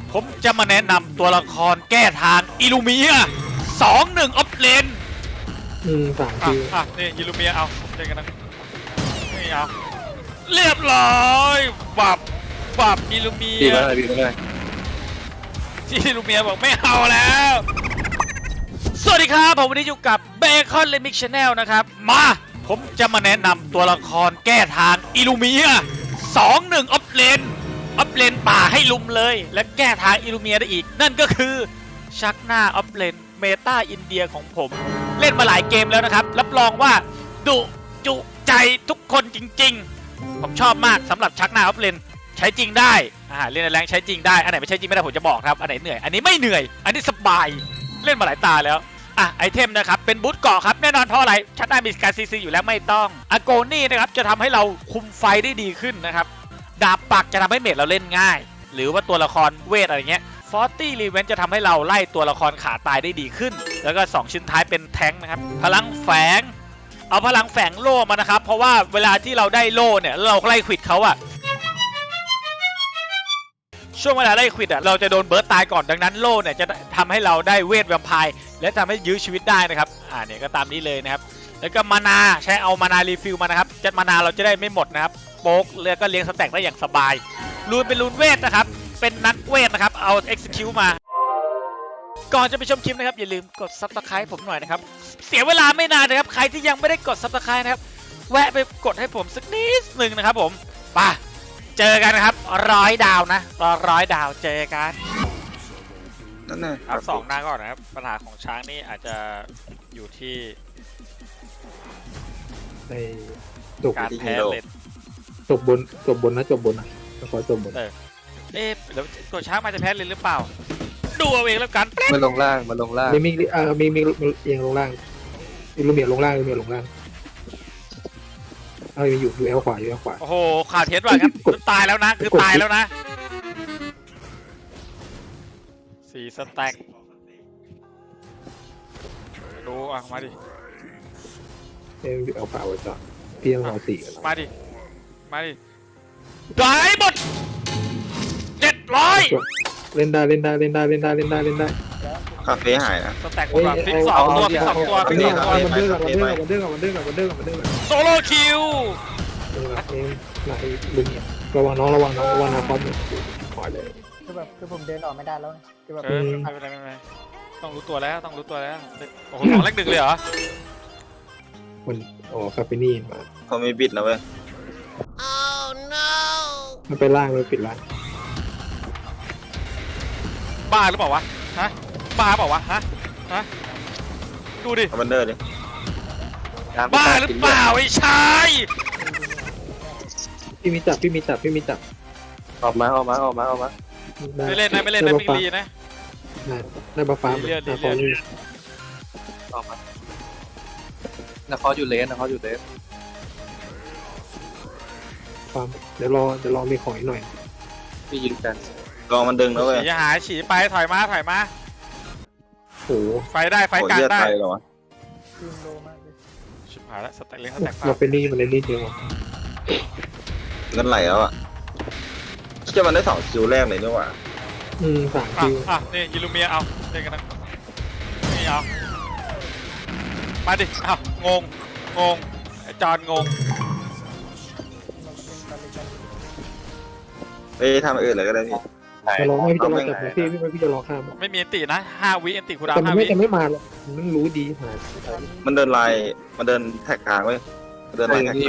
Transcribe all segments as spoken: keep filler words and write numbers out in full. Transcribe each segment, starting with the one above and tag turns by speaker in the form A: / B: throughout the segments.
A: ผมจะมาแนะนำตัวละครแก้ทางอิลูเมียสองหนึ่งออฟเลน
B: อืมสาม
A: อ่ะ
B: คิว
A: อ่ะนี่อิลูเมียเอาเล่นกันนะนี่เอาเรียบร้อยบับบับอิลูเมีย
C: ดีมากเลยดีมากเลย
A: ที่อิลูเมียบอกไม่เอาแล้วสวัสดีครับผมวันนี้อยู่กับเบคอนเลมิกชาแนลนะครับมาผมจะมาแนะนำตัวละครแก้ทางอิลูเมียสองหนึ่งออฟเลนออฟเลนป่าให้ลุมเลยและแก้ทางอิลูเมียได้อีกนั่นก็คือชักหน้าออฟเลนเมตาอินเดียของผมเล่นมาหลายเกมแล้วนะครับรับรองว่าดุจุใจทุกคนจริงๆผมชอบมากสำหรับชักหน้าออฟเลนใช้จริงได้อ่าเล่นในแรงใช้จริงได้อันไหนไม่ใช้จริงไม่ได้ผมจะบอกครับอันไหนเหนื่อยอันนี้ไม่เหนื่อยอันนี้สบายเล่นมาหลายตาแล้วอ่ะไอเทมนะครับเป็นบูทเกาะครับแน่นอนเพราะอะไรชักหน้ามีการซีซีอยู่แล้วไม่ต้องอโกนี่นะครับจะทำให้เราคุมไฟได้ดีขึ้นนะครับดาบปักจะทำให้เมจเราเล่นง่ายหรือว่าตัวละครเวทอะไรเงี้ยฟอร์ตี้รีเวนจะทำให้เราไล่ตัวละครขาตายได้ดีขึ้นแล้วก็สองชิ้นท้ายเป็นแท้งนะครับพลังแฝงเอาพลังแฝงโล่มานะครับเพราะว่าเวลาที่เราได้โล่เนี่ยเราไล่ควิดเขาอะช่วงเวลาไล่ควิดอะเราจะโดนเบิร์ตตายก่อนดังนั้นโล่เนี่ยจะทำให้เราได้เวทแวมไพร์และทำให้ยื้อชีวิตได้นะครับอ่าเนี่ยก็ตามนี้เลยนะครับแล้วก็มานาใช้เอามานารีฟิลมานะครับจะมานาเราจะได้ไม่หมดนะครับโป๊กแล้วก็เลี้ยงสแต็กได้อย่างสบายรูนเป็นรูนเวทนะครับเป็นนักเวทนะครับเอา execute มาก่อนจะไปชมคลิปนะครับอย่าลืมกด ซับสไครบ์ ผมหน่อยนะครับเสียเวลาไม่นานนะครับใครที่ยังไม่ได้กด ซับสไครบ์ นะครับแวะไปกดให้ผมสักนิดหนึ่งนะครับผมไปเจอกันนะครับร้อยดาวนะรอร้อยดาวเจอกัน
C: นั่นน่ะ
A: อัพสองหน้าก่อนนะครับปัญหาของช้างนี่อาจจะอยู่ที่
B: ในจบ
A: การแพ้เลน
B: จบบนจบบนนะจบบนนะขอจบบน
A: เออเอ๊ะแล้วตัวช้างมันจะแพ้เลนหรือเปล่าดูเอาเองแล้วกัน
C: มันลงล่างมันลงล่าง
B: มีมีเอ่อมีมีเอียงลงล่างมีลูเมียลงล่างลูเมียลงล่างเอามีอยู่อยู่แอลขวาอยู่แอลขวา
A: โอ้โหขาดเทสว่ะครับคือตายแล้วนะคือตายแล้วนะสี่สแต็กดูอ่ะมาดิ
B: เอ็มอยู่แอลขวาไว้ก่อนพี่ต้องเอาสี่กัน
A: มาดิมาดิได้หมดเจ็ดร้อย
B: เล่นได้เล่นได้เล่นได้เล่นได้เล่นได้เล่นได้
C: คาเฟ่หายนะ
A: สแต็กหมดว่ะพลิกสองตัวพลิกสองตัวพลิก
B: นี่
A: สองตัว
B: มันเดือดมันเดือดมันเดือดมันเดือดมันเดือดมันเดือดมันเดือด
A: โซโล่คิว
B: เอ็มเอ็มไหนลูเมียระวังน้องระวังน้องระวังนาคอมขวาเลย
D: คือแบบคือผมเดินออกไม่ได้แล้วคือแบบ
A: เออไม่เป็นไรไม่เป็นไรต้องรู้ตัวแล้วต้องรู้ตัวแล้วโอ้โหสองเลขหนึ่งเลยเหรอ
B: มันอ๋อคาเฟนี่มา
C: เขามีบิดนะเว้ย
B: มันไปล่างเลยปิดล่าง
A: บ้าหรือเปล่าวะฮะบ้าเปล่าวะฮะฮะดูดิ
C: เอาบันเดอร์ดิ
A: บ้าหรือเปล่าไอ้ชาย
B: พี่มีจับพี่มีจับพี่มีจับ
C: ออกมาออกมาออกมาออกมา
A: ไม่เล่นนะไม่เล่นนะมิงลีนะ
B: ได้บัฟฟ้า
A: ดีเลือดดี
B: นา
A: เลื
B: คอ
A: อด
C: ออกมานะคออยู่เลนนะคออยู่เลน
B: ฟาร์มเดี๋ยวรอเดี๋ยวรอมีของอีกหน่อย
C: พี่ยิงกันลองมันดึงนะเว้ย
A: ฉีหายฉีไปถอยมาถอยมา
B: โอ้โห
A: ไฟได้ไฟกลางได้
C: เหรอวะ
D: ทีมโลมากเลย
A: ชิบหายแล้วสแต็กเลี้ยงสแต็กฟ้า
B: เราเป็นนี่มันเล่นนี่จริงวะ
C: เงินไหลแล้วอ่ะเชื่อมันได้สองคิวแรกเลยนี่หว่า
B: อืมสาม
A: อ่ะ
B: คิว
A: อ่ะนี่ยิลูเมียเอาเล่นกันนะนี่เอามาดิเอางงงงไอ้จอนงง
C: ไปทำอื่นเลยก็ได้พี่
B: จะรอไม่พี่จะรอจับพี่พี่ไม่พี่จะรอข้าม
A: ไม่มีอันตินะห้าวิอันติคูดาว
B: แต่มัน
A: ห้า
B: ไม่
A: วิ
B: จะไม่มาหรอกมันรู้ดีหา
C: มันเดินลายมันเดินแท็กกลางเว้ยเดินลายแท็กกลาง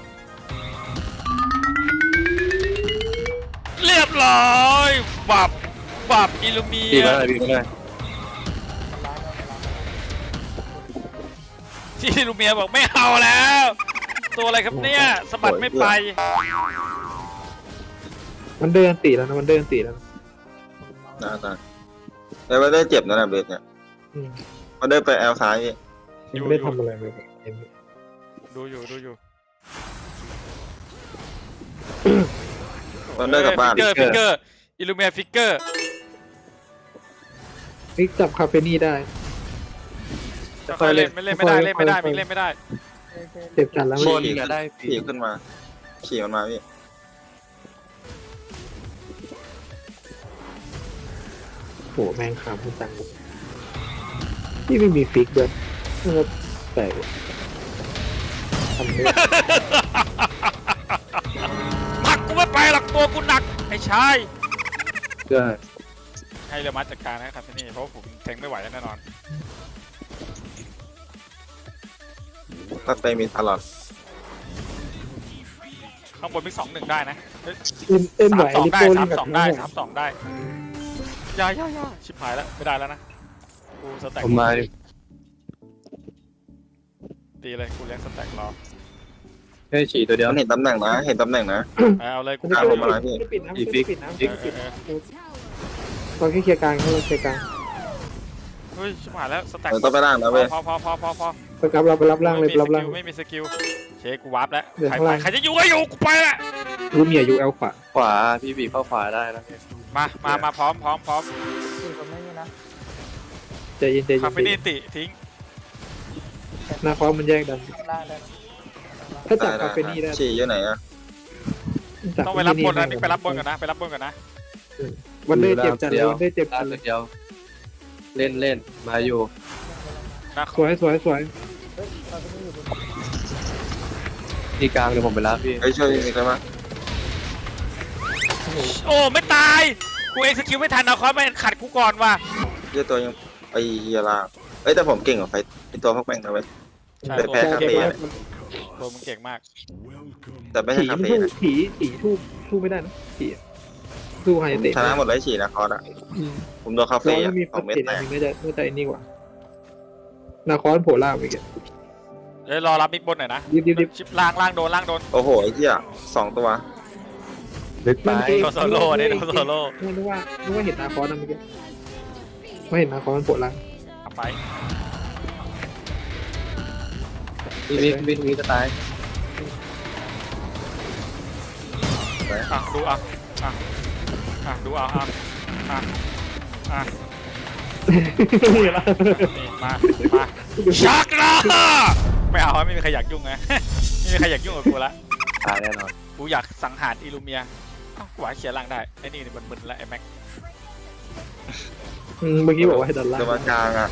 A: เรียบร้อยบับบับอิลูเมี
C: ดี
A: ย
C: มากเลยดีมากเลย
A: ที่อิลูเมียบอกไม่เอาแล้ว ตัวอะไรครับเนี่ยสะบัดไม่ไป
B: มันเดินตีแล้วนะมันเดินตีแล้ว
C: น่าตายแต่ว่าได้เจ็บนะนะเบสเนี่ย
B: อืม
C: มันได้ไปแอลซ้าย
B: ยังไม่ได้ทำอะไรเลย
A: ดูอยู่ดูอยู่
C: มันได้กลับบ้าน
A: ฟิกเกอร์ฟิกเกอร์อิลูเมียฟิกเกอร์
B: พี่จับคาเฟนี่ได้
A: ค่อยเล่นไม่เล่นไม่ได้เล่นไม่ได้มิงเล่นไม่ได้
B: เจ็บจัดแล้ว
C: บ
B: มัน
C: นก็ได้ขี่ขึ้นมาขี่มันมาพี่
B: โหแม่งขำจังที่ไม่มีฟิกด้วยนะครับแต่ทำไม่ได้
A: ผลักกูไม่ไปหรอกตัวกูหนักไอ้ชาย
B: ก็
A: ให้เรือมัดจัดการนะครับที่นี่เพราะผมแทงไม่ไหวแน่นอน
C: ถ้าไปมีตลอด
A: ข้างบนมีสองหนึ่งได้นะเฮ้ย
B: เอ็มเอ็มไหว
A: สามสอง
B: ลิ
A: ได้
B: โป้
A: สา
B: เล่
A: ม
B: นกับ
A: สองได้
B: เขา
A: สามสองได้ยายายาชิบหายแล้วไม่ได้แล้วนะกูสแต็ก
E: ผมมาดิ
A: ตีเลยกูเลี้ยงสแต็กรอ
E: แค่ฉี่ตัวเดียว
C: มันเห็นตำแหน่งนะ เห็นตำแหน่งนะ
A: เอาเลยกู
B: ไม่
A: กา
B: ได้
A: ร
C: ผมมาแล้วพี่
B: ปิดนะ
E: อี
B: ไม่
E: ฟิก
B: ปิดนะ
E: อี
B: ไม่
E: ฟิก
B: ปิดนะเราแค่เคลียร์กลางเขาเคลียร์กลาง
A: เฮ้ยชิบหายแล้วสแต็ก
C: เออต้องไปล่างนะเว้ย
A: พอพอพอพอพอ
B: ไปรับเราไปรับล่างเลยไปรับล่าง
A: ไม่มีสกิลเชคกูวาร์ปแล้ว
B: เดี๋ยว
A: ใคร
B: ข้าง
A: ไป
B: ล่าง
A: ใครจะอยู่ก็อยู่กูไปละ
B: รูเมียอยู่เอลขวา
E: ขวาพี่บีบเข้าขวาได้นะ
A: มามามาพร้อมพร้อมพร้อม
D: คือผมไม่มีนะ
B: ใจเย็นใจเย็
A: คาน เฟนี่ติทิ้ง
B: หน้าคอมันแยกดัน
D: ข้างล่างได้
B: ถ้าจับ
C: ได้
B: คาเฟนี่ได้
C: ฉี่อยู่ไหนอะ
B: จั
A: ต้องไปรับบนนะนี่ไปรับบนก่อนนะไปรับบนก่อนนะ
B: วันเดอร์เจ็บจัดเลยวันเดอร์เจ็บ
E: ลา
B: จัด
E: ก
B: เลย
E: เดียว เล่นเล่นมาอยู่
A: นะ
B: สวยสวยสวย
D: เฮ้ยตอนนี้อยู่บน
E: ที่กลางเดี๋ยวผมไปรับพี่
C: เฮ้ยช่วยมีใครบ้าง
A: โอ้ไม่ตายกูเอ็กซ์คิวไม่ทันเอาคอสไม่ขัดกูก่อนว่ะ
C: เหี้ยตัวยังไอ้เหี้ยล่างเอ้ยแต่ผมเก่งกว่าไฟไอ้ตัวพวกแม่งนะเว้ย
A: ใช่
C: แต่
A: ตัว
C: แพ้
A: มึง
C: คา
A: เก่
C: เฟ่
A: งมาก
C: เนี่ย
A: ตัวมึงเก่งมาก
C: แต่ไม่
B: ผี
C: ใช่คา
B: มัน
C: เฟ่
B: สู้
C: นะ
B: ผีผีทูบทูบไม่ได้นะผีสู้ไฮเตะ
C: ชนะหมดเลยฉี่นะคอร์สอะผมโดนคา
B: แล้
C: เฟ่
B: ว
C: อะ
B: มี
C: ส
B: ฟั
C: อ
B: ด
C: งเม็ด
B: เจ็ด
C: แต
B: อัน
C: ก
B: นึงไม่ได้ไม่ได้นี่กว่านาคอนโผล่ล่างไปกัน
A: เดี๋ยวรอรับมิกบนหน่อยนะ
B: รีบรีบรีบ
A: ชิปล่างล่างโดนล่างโดน
C: โอ้โหไอ้เหี้ยสองตัว
E: ลึกไป
A: โดนโซโล่เนี่ยโดนโซโล่
B: นึกว่านึกว่าเห็นนาคอนนะเมื่อกี้ไม่เห็นนาคอนมันโผล่ล่าง
A: เอาไป
E: พี่บิ๊กพี่บิ๊กมีจะตาย
A: อ่ะดูอ่ะอ่ะอ่ะดูอ่ะอ่ะอ่ะอ่ะ
B: นี่ละ
A: นี่มามาชักนะไม่เอาไม่มีใครอยากยุ่งไง ไม่มีใครอยากยุ่งกับกูละ
E: ตายแน่นอน
A: กูอยากสังหารอิลูเมียอ้าวกูหวาเขียนล่างได้ไอ้นี่มันมึนๆแล้วไอ้แม็ก
B: อืมเมื่อกี้บอกว่าให้ดันล่าง
C: ตัวกลางอะ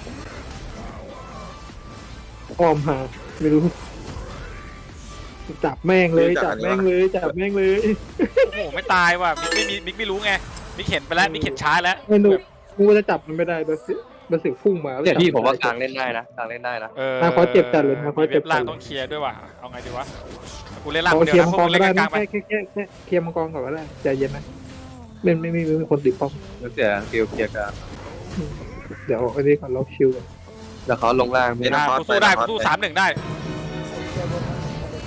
B: อ้อมหาไม่รู้จับแม่งเลยจับแม่งเลยจับแม่งเลย
A: โอ้โหไม่ตายว่ะมิกไม่มีมิกไม่รู้ไงมิกเห็นไปแล้วมิกเห็นช้าแล้ว
B: ไม่รู้กูจะจับมันไม่ได้เบอร์สิเบอร์สิพุ่งมา
E: เนี่ยพี่ผมว่ากลางเล่นได้นะกลางเล่นได้นะ
A: เออ
B: นาคอสเจ็บจัดเลยนาคอสเจ็บจัด
A: ล่างต้องเคลียร์ด้วยว่ะเอาไงดีวะกูเล่นล่าง
B: เอา
A: คนเดีย
B: เคลียว ร์
A: นะ
B: มัง
A: พว
B: ก
A: ก
B: ร
A: มึง
B: ก็
A: เล่น
B: ได้
A: กลา
B: นะ
A: งๆไป
B: แค่แค่แค่แค่เคลียร์มังกรก่อนก็ได้ใจเย็นนะไม่ไม่ไม่มีคนติดป้อม
E: แล้วเสียสกิลเคลียร์กลาง
B: เดี๋ยวอันนี้ก่อนล็อกชิวก่อน
E: แล้วเขาลงล่างพี่
A: อ่ะกูสู้ได้กูสู้สามหนึ่งได้
D: เจอบนนั้น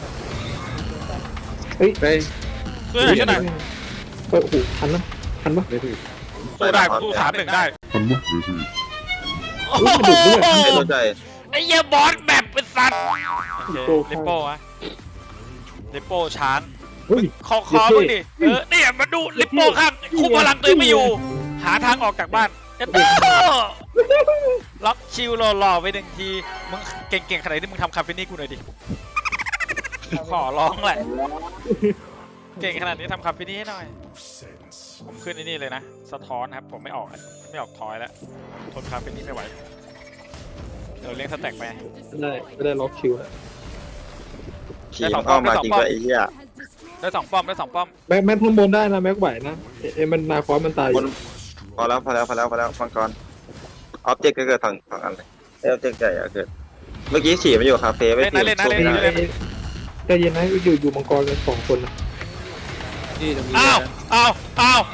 E: เฮ้ย
A: สู้ได้ช่วยหน่อย
B: เออโอ้โหทันนะทันปะ
E: ไม่ถึง
A: สู้ได้กูสู้สามหนึ่งได้โอ้
B: อุ๊ย
A: โห
B: มันดุด้วย
C: ไม่เข้าใจ
A: ไอ้เหี้ยบอสแบบเป็นสัตว์โอเคลิปโป้อะลิปโป้ช้าง
B: เฮ้ย
A: คอคอมึงดิเออเนี่ยมาดูลิปโป้ข้างคุมพลังตัวเองไม่อยู่ หาทางออกจากบ้านเอ็ดโต้ล็อกชิวหล่อๆไปหนึ่งทีมึงเก่งๆขนาดนี้มึงทำคาเฟนี่กูหน่อยดิขอร้องแหละ เก่งขนาดนี้ทำคาเฟนี่ให้หน่อย ผมขึ้นไอ้นี่เลยนะสะท้อนครับผมไม่ออกไม่ออกทอยแล้วทนคาเฟนี่ไม่ไหวเดี๋ยวเลี้ยงสแต็กไป
B: ไม่ได้ไม่ได้ล็อกชิวแล้ว
C: ฉี่มันเข้ามาจริงด้วยไอ้เหี้ย
A: ได้สองป้อมได้สองป้อม
B: แม็กแม็กข้างบนได้นะแม็กไหวนะเอ๊ะมันนาคอสมันตายอบ
C: น
B: ยู่
C: พอแล้วพอแล้วพอแล้วพอแล้วมังกรออบเจกต์ก็เกิดทางทางอันเลยออบเจกต์ใหญ่อะเกิดเมื่อกี้ฉี่มันอยู่คาเฟ่ไม่
A: เล่น
C: ฉี่
A: นะเล่นนะ
C: สู้
A: เล่น
C: ไม่
A: นะ
C: ได้
A: เล่นนะ
B: ใจเย็นนะอยู่อยู่มังกรกันสองคนนะ
E: พี่จะมี
A: อ้าว
E: นะ
A: อ้าวอ้าว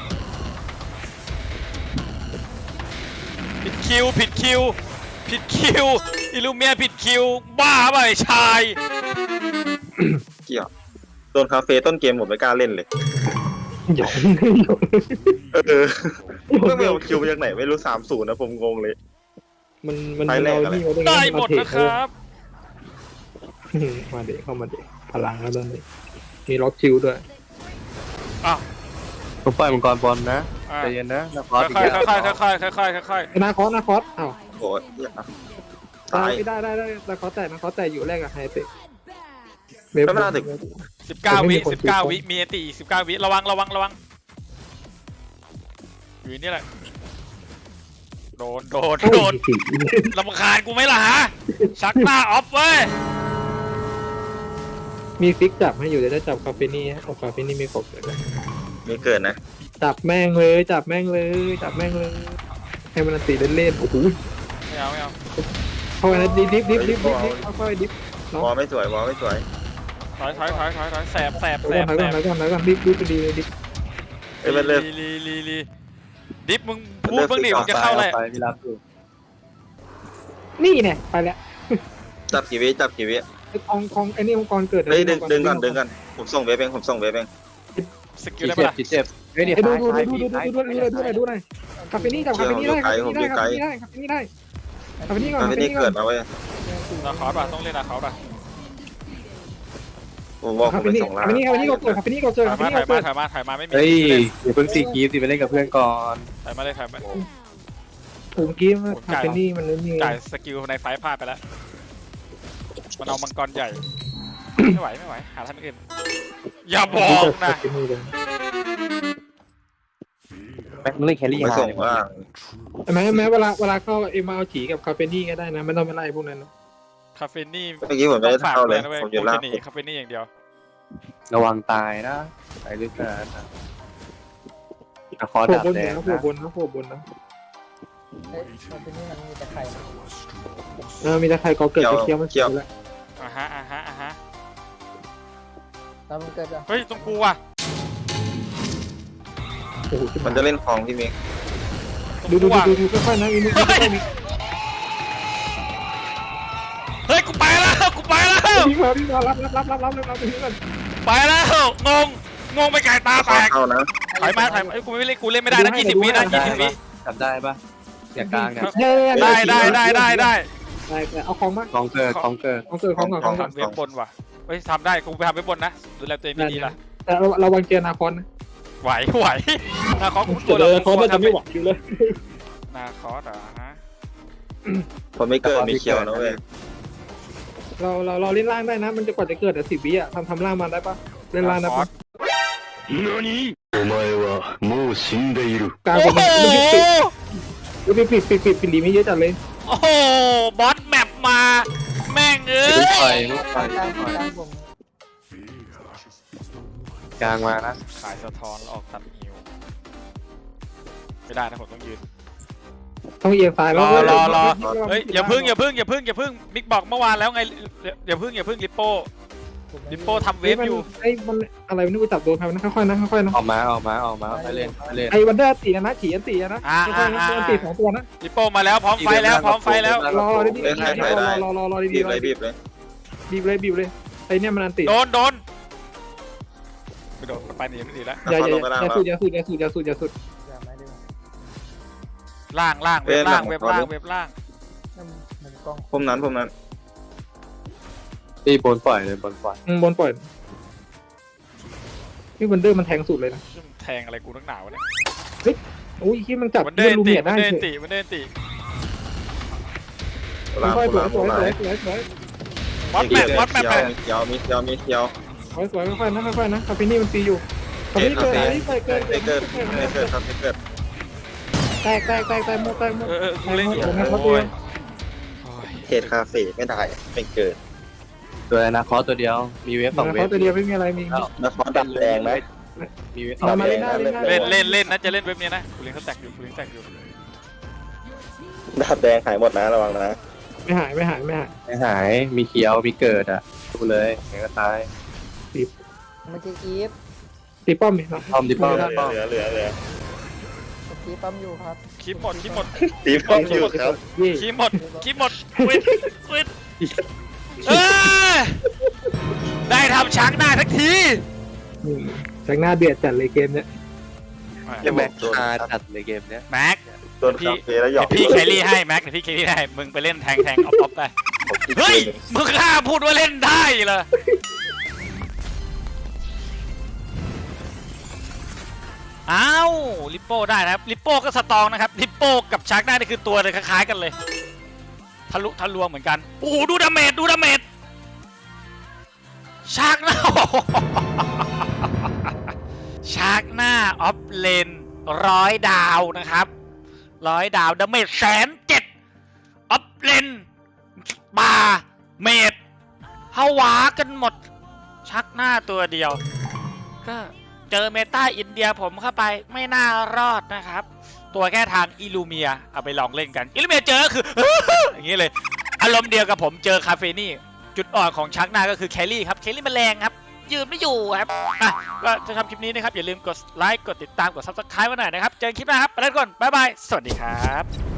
A: ผิดคิวผิดคิวผิดคิวอิลูเมียผิดคิวบ้าไปะไอ้ชาย
C: เกี่ยวโดนคาเฟ่ต้นเกมผมไม่กล้าเล่นเลย
B: หยอกหยอก
C: เออเมื่อเมลคิวมาจากไหนไม่รู้สามศูนย์นะผมงงเลย
B: มันมัน
C: ไปแรก
B: เอา
C: อะไร
B: นี่เอา
A: ได้
B: ไง
A: หมด
B: เอาเท
A: นะครับ
B: อืมมาเด็กเข้ามาเด็กพลังแล้วตอนนี้มีล็อกชิวด้วย
A: อ้าว
E: ผมปล่อยมังกรบอลนะ
A: อ่ะ
E: ใจเย็นนะแล้วค
A: ค่
E: อ
A: อ
E: ส
A: ย
E: อีก
A: ๆค่
E: แล้
A: อยว ๆค่อยๆค่อยๆค่อย
B: นาคอสนาคอสอ้าว
C: โอ้ยเหี้ยตาย
B: ได้ได้ได้นาคอสแต่นาคอสแต่อยู่แรกกับไฮเตะ
C: ไม่เป็นไรแต่
A: ๆสิบเก้าวิสิบเก้าวิมีอันติอีกสิบเก้าวิระวังระวังระวังอยู่นี่แหละโดนโดน
B: โอ้
A: โดน
B: ยสิ
A: ลำคาญกูไหมล่ะฮะชักหน้าออฟเว้ย
B: มีฟิกจับให้อยู่เดี๋ยวจะจับคาเฟนี่เอาคาเฟนี่ไม่ครบเลย
C: มีเกิดนะ
B: จับแม่งเลยจับแม่งเลยจับแม่งเลยให้มันตีเล่นๆโอ้โห
A: ไม่เอาไม่เอา
B: เข้าไปนะดิฟดิฟดิฟดิฟดิฟดิฟค่อยๆดิฟ
C: วอลไม่สวยวอลไม่สวย
A: ถอยถอยถอยถอยถอยแสบแสบ
B: ถอย
A: แส
B: ก่อบ นถอย
A: แส
B: ก่อบ นถอยก่อนถอยก่อนดิฟดิฟดีเลยดิฟ
C: เอ้ยมันเลิก
A: ลีลีลีลีดิฟมึงพูดเพิ่งดิมึงจะเข้าอะไร
E: ไปพี่รับอยู่
B: นี่เนี่ยไปแล้ว
C: จับกี่วิจับกี่วิ
B: ไอ้ของของไอ้นี่องค์กรเกิด
C: เฮ้ยดึงดึงก่อนดึงก่อนผมส่งเวฟเองผมส่งเวฟเอง
A: สกิล
E: จี
A: ได้
E: เจ็
A: ปะ
E: บ
A: ล่ะ
E: จีเจ็บเฮ้ยเดี๋ยว
B: ไอ้ดู
E: ซ้าย
B: ดู
E: ซ้าย
B: ดู
E: พี่
B: ดูดู
E: ซ้าย
B: ดูดูดูหน่อยคาเฟนี่จับคาเฟนี่ได้คาเฟนี่ได้คาเฟนี่ได้คาเฟนี่ได้คาเฟนี่ก่อน
C: ตอน
B: คาเฟ
C: นี้
B: นี่ก่
C: เกิ
B: อ
C: ด
B: น
C: มาเว้ย
A: นาคอสป่ะต้องเล่นนาคอสป่ะ
C: ผมบอกผ
B: คาม เฟ
C: ไป
B: นี่
C: ส่ง
B: คา
C: ล่าง
B: เฟนี่คาเฟนี่ก็เกิดคาเฟนี่ก็เกิด
A: ถอ
B: คาย เฟ
A: มา
B: นี่
A: ถ
B: ก็
A: อยมา
B: เกิด
A: ถอยมาถอยมาไม่มี
E: เฮ้ย
A: เล่น
E: อย่าเพิ่งซีกีฟสิไปเล่นกับเพื่อนก่อน
A: ถอยมาเลยถอยมา
B: ผมกี้คาเฟนี่มันนี่
A: จ่ายสกิลในไฟพลาดไปแล้วมันเอามังกรใหญ่ไม่ไหวไม่ไหวหาท่านอื่นอย่าบอกนะ
E: แม็กมึงเล่นแครี่
C: ไป
E: หา
C: ส่ง
E: ย
C: ล่าง
B: แม้แม้เวลาเวลาเข้าเอ็มเอาฉีกับคาเฟนี่ก็ได้นะไม่ต้องไปไล่พวกนั้น
A: คาเฟนี่
C: เมื่อกี้ผมไม่ได้เข้าเลย
A: นะเว้ย
C: ผมอ
A: กู
C: ยู่ล่าง
A: จะหนีคาเฟนี่อย่างเดียว
E: ระวังตายนะไปด้วยกันนะอะคอ
B: โผล่
E: ดับบ
B: น
E: แด
B: นะ
E: ง
B: โผล่
E: นะ
B: บนนะโผล่บนนะ
D: เฮ้ยคาเฟนี่มันมีแต่ไข่นะ
B: เออมีแต่ใครก็เกิดจะเคี้ยวมันเคี้ยวแล้ว
A: อ่ะฮะอ่ะฮะอ่ะฮะ
D: ตอนมันเกิดอะ
A: เฮ้ยตรงกูว่ะ
B: โอ้โห
C: มันจะเล่นของพี่มิก
A: ตรง
B: ดูดู
A: กูว่ะ
B: ดูดูค่อยๆนะอีนี่ค่อยๆมี
A: เฮ้ยกูไปแล้วกูไปแล้ว
B: วิ่งมาวิ่งมารับรับรับรับรับรับไปที่นั่น
A: ไปแล้วงงงงไปไก่ตาแตก
C: เข้านะ
A: ถอยมาถอยมาเอ้ยกูไม่เล่นกูเล่นไม่ได้นะยี่สิบวินะยี่สิบวิ
E: จำได้ปะเสียกลางเนี่ย
A: ได้ได้ได้ได้ได้
B: ได้แต่เอาของมา
E: ของเกิดของเกิด
B: ของเกิดของก่อนของก่อน
A: ทำเว็บบนว่ะเฮ้ยทำได้กูไปทำเว็บบนนะดูแลตัวเองไม่ดีละ
B: แต่เราเราวางเจอนาคอนนะ
A: ไหวไหวนาคอสกู
B: เจอนาคอนน่าจะไม่ไหวอยู่เลย
A: นาคอสเหรอฮะ
C: ผมไม่เกิดมีเขียวนะเว้ย
B: เราเราเราเล่นล่างได้นะ มันจะกว่าจะเกิดแต่สิบวิอ่ะทำทำล่างมาได้ปะเล่นล่างได้
A: นาคอ
B: ปะ
A: ส
F: お前はもう死んでいる。
B: กลาง
A: โอ้
B: คน
A: โห
B: ปิดปิดปิดปิดปิดปิดดีไม่เยอะจัดเลย
A: โอ้โหบอสแมปมาแม่งเอ้
E: ลูกไฟ
A: ย
E: ลูกไฟ
D: กลางกลางผม
E: กลางมานะ
A: ขายสะท้อนแล้วออกตัดฮิวไม่ได้นะผมต้องยืน
B: ต้องเอียงซ้ายแล้ว
A: รอรอรอ เฮ้ยอย่าพึ่งอย่าพึ่งอย่าพึ่งอย่าพึ่งมิกบอกเมื่อวานแล้วไงอย่าพึ่งอย่าพึ่งลิปโป้
D: ผมไม่
A: ลิปโป้ทำเวฟอยู่
B: ไอ้มันอะไรไม่รู้จับโดนใครนะค่อยๆนะค่อยๆนะ
E: ออกมาออกมาออกมาไปเล่นไปเล่น
B: ไอ้วันเดอร์ตีนะขี่อันตีนะค่อยๆนะอันตีสองตัวนะ
A: ลิปโป้มาแล้วพร้อมไฟแล้วพร้อมไฟแล้ว
B: รอรอดีๆรอรอรอรอ
C: บี
B: ดี
C: บ
B: ๆ
C: เลยบีบเลย
B: บีบเลยบีบเลยไอ้เนี่ยมันอันตี
A: โดนโดนไม่โดนไปหนีไม่หนีแล้ว
B: อย่าอย่าอย่าสุดอย่าสุดอย่าสุดอย่าสุดอย่าสุด
D: อย่าไม่ได้
A: ล่างล่างเว็บล่างเว็บล่างเว็บล่าง
D: นั่นมันกล้อง
C: ผมนั้นผมนั้น
E: ตีบนปล่อยเลยบนปล่อย
B: บนปล่อยนี่วันเดอร์มันแทงสุดเลยนะ
A: ซึ่งแทงอะไรกูนักหนาวะเนี่ย
B: โอ้ยที่มันจับ
A: มันเดิ
B: เลื่อน
A: น
B: ลู
A: ติ
B: เมีย
A: มั
B: ได้
A: นเดิน
B: เฉ
A: ติ
B: ย
A: มันเดินติ
C: ล่าง
B: ค่อยๆสว
C: ล่าย ง
B: สวย
C: ล่าง
B: สวยสวยสวย
A: วัดแมปวัดแมปไป
C: มีเขียวมีเขียวมีเขียว
B: สวยสวยค่อยๆนะค่อยๆนะคาเฟนี่มันตีอยู่คาเฟนี่เกิดคาเฟนี่เกิดเกิด
C: ไม่
B: เกิ
C: เกิ
B: ด
C: ดไม่เกิดครับไม่เกิด
B: แตกแตกแตกแตกหมดแตกหมด
A: เออเออกูเล่นอยู่
B: แตกหมด
A: โอ้ย
C: เทรดคาเฟ่ไม่ได้ไม่เกิด
E: ตัวนะคอตัวเดียวมีเวฟสองเวฟ
B: เขาตัวเดียวไม่มีอะไรมี
C: นครดับแดงไหม
E: มีเวฟสอง
B: มามา
E: เว
B: เล่
E: ฟ
B: นหน้าเล่นหน้า
A: เล่นเล่นเล่นนะจะเล่นเว็บนี้นะกูเล่นเขาแตกอยู่กูเล่นแตกอยู่
C: ดับแดงหายหมดนะระวังนะ
B: ไม่หายไม่หายไม่หาย
E: ไม่หายมีเขียวมีเกิดอ่ะดูเลยเดี๋ยวก็ตาย
D: เมื่อกี้กีฟ
B: ตีป้อมมีนะ
E: ป้อมดิป้อม
C: เหลื
E: ป้อ
C: อ
E: ม
C: เหลือเหลือเหลือ
D: เมื่อกี้ปั๊มอยู่ครับ
A: คลิปหมดคลิปหมด
C: ตีป้อมอยู่ครับ
B: เย่
A: คลิปหมดคลิปหมดควิดควิดเออได้ทำช้างได้ทักที
B: จากหน้าเดือดจัดเลยเกมเนี้ย
E: ยังแม็กคาจัดเลยเกมเนี้ย
A: แม็ก
C: โดนคาเฟ่แล้วหยอก
A: เดี๋ยวพี่แครี่ให้แม็กเดี๋ยวพี่แครี่ให้มึงไปเล่นแทงแทงออฟออฟได้เฮ้ยมึงกล้าพูดว่าเล่นได้เหรออ้าวลิปโป้ได้นะครับลิปโป้ก็สตองนะครับลิปโป้กับชาร์กได้นี่คือตัวเลยคล้ายๆกันเลยทะลุทะลวงเหมือนกันโอ้โหดูดาเมจดูดาเมจชาร์กหน้า ชาร์กหน้าออฟเลนร้อยดาวนะครับร้อยดาวดาเมจแสนเจ็ดออฟเลนบาเมดฮาวากันหมดชักหน้าตัวเดียวก็เจอเมตาอินเดียผมเข้าไปไม่น่ารอดนะครับตัวแค่ทางอิลูเมียเอาไปลองเล่นกันอิลูเมียเจอก็คือ อย่างนี้เลยอารมณ์เดียวกับผมเจอคาเฟนี่จุดอ่อนของชักหน้าก็คือแคลรี่ครับแคลรี่มันแรงครับยืนไม่อยู่ครับอ่ะก็จะทำคลิปนี้นะครับอย่าลืมกดไลค์กดติดตามกดซับสไครป์ไว้หน่อยนะครับเจอกันคลิปหน้าครับไปแล้วก่อนบ๊ายบายสวัสดีครับ